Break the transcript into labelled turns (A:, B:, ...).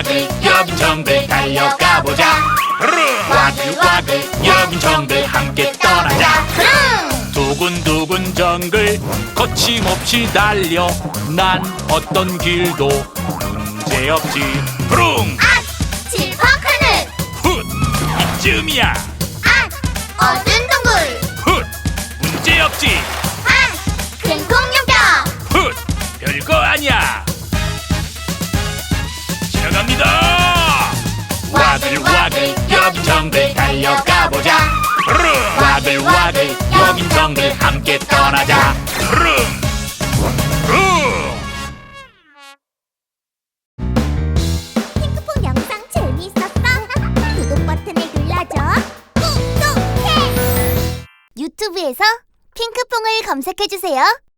A: 와글와글 여긴 정글 달려가보자. 와글와글 여긴 정글 함께 떠나자. 두근두근 정글 거침없이 달려. 난 어떤 길도 문제없지. 푸릉
B: 아! 칠퍽하늘!
A: 훗 이쯤이야.
B: 아! 어두운 동굴!
A: 훗 문제없지.
B: 아! 큰 공룡뼈!
A: 훗 별거 아니야. 지나갑니다. 와글와글 여긴 정글 달려가보자. 와글와글 여긴 정글 함께 떠나자.
B: 핑크퐁 영상 재미있었어? 구독 버튼을 눌러줘. 구독해! 유튜브에서 핑크퐁을 검색해주세요.